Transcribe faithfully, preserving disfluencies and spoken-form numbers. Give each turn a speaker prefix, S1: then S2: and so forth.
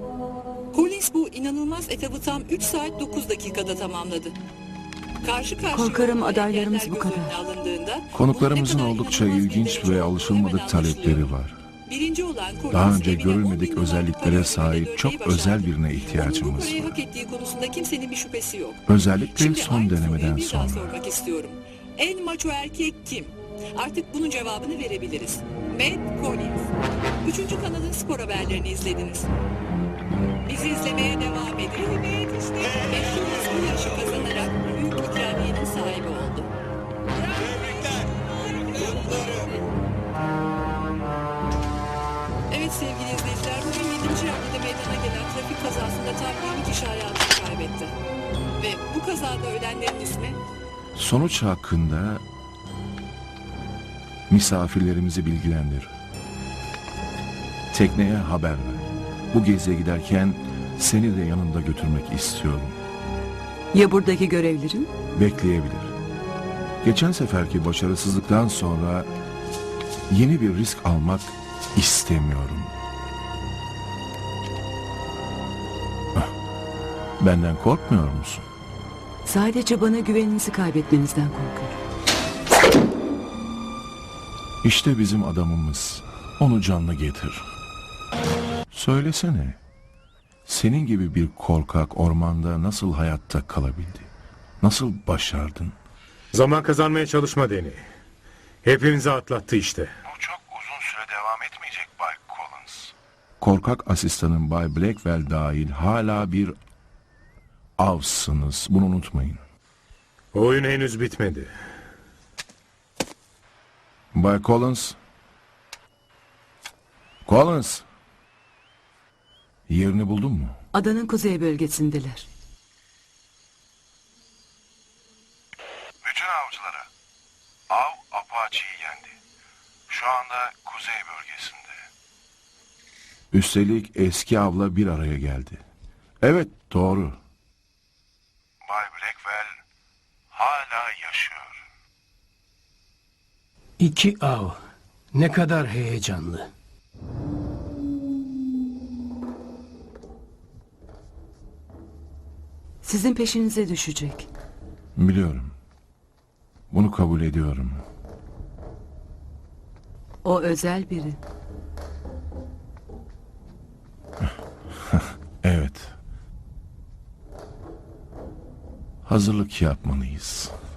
S1: Collins bu inanılmaz etabı tam üç saat dokuz dakikada tamamladı. Karşı karşıya
S2: Korkarım
S1: olduğu
S2: adaylarımız
S1: engeller
S2: bu
S1: göz
S2: kadar.
S1: önüne alındığında,
S3: Konuklarımızın
S1: bunun ne kadar
S3: oldukça
S1: inanılmaz bir
S3: ilginç
S1: derece
S3: ve
S1: olduğunu
S3: alışılmadık
S1: hemen
S3: talepleri
S1: anlaşılıyor.
S3: var.
S1: Birinci olan Collins,
S3: Daha önce
S1: evine on
S3: görülmedik
S1: bin dolarlık
S3: özelliklere
S1: para
S3: sahip
S1: ödülüyle
S3: çok
S1: dönmeyi
S3: özel
S1: başardı.
S3: birine
S1: Onun bu
S3: ihtiyacımız
S1: parayı
S3: var.
S1: hak ettiği konusunda kimsenin bir şüphesi yok.
S3: Özellikle
S1: Şimdi
S3: son
S1: aynı soruyu
S3: denemeden
S1: bir daha
S3: sonra.
S1: sormak istiyorum. En maço erkek kim? Artık bunun cevabını verebiliriz. Matt Collins. Üçüncü kanalın spor haberlerini izlediniz. Bizi izlemeye devam edin. Evet işte. Matt Collins bu yarışı kazanarak büyük ikramiyenin sahibi oldu. Evet sevgili izleyiciler, bugün yedinci raddede meydana gelen trafik kazasında tam yirmi kişi hayatını kaybetti. Ve bu kazada ölenlerin ismi
S3: Sonuç hakkında misafirlerimizi bilgilendir. Tekneye haber ver. Bu geziye giderken seni de yanımda götürmek istiyorum.
S2: Ya buradaki görevlerin?
S3: Bekleyebilir. Geçen seferki başarısızlıktan sonra yeni bir risk almak istemiyorum. Ah, benden korkmuyor musun?
S2: Sadece bana güveninizi kaybetmenizden korkuyorum.
S3: İşte bizim adamımız. Onu canlı getir. Söylesene. Senin gibi bir korkak ormanda nasıl hayatta kalabildi? Nasıl başardın?
S4: Zaman kazanmaya çalışma Deni. Hepimizi atlattı işte.
S3: Bu çok uzun süre devam etmeyecek Bay Collins. Korkak asistanın Bay Blackwell dahil hala bir avsınız. Bunu unutmayın.
S4: Oyun henüz bitmedi.
S3: Bay Collins. Collins. Yerini buldun mu?
S2: Adanın kuzey bölgesindeler.
S3: Bütün avcılara. Av Apache'yi yendi. Şu anda kuzey bölgesinde. Üstelik eski avla bir araya geldi. Evet, doğru. Bay Blackwell hala yaşıyor.
S5: İki av. Ne kadar heyecanlı.
S2: Sizin peşinize düşecek.
S3: Biliyorum. Bunu kabul ediyorum.
S2: O özel biri.
S3: Evet. Hazırlık yapmalıyız.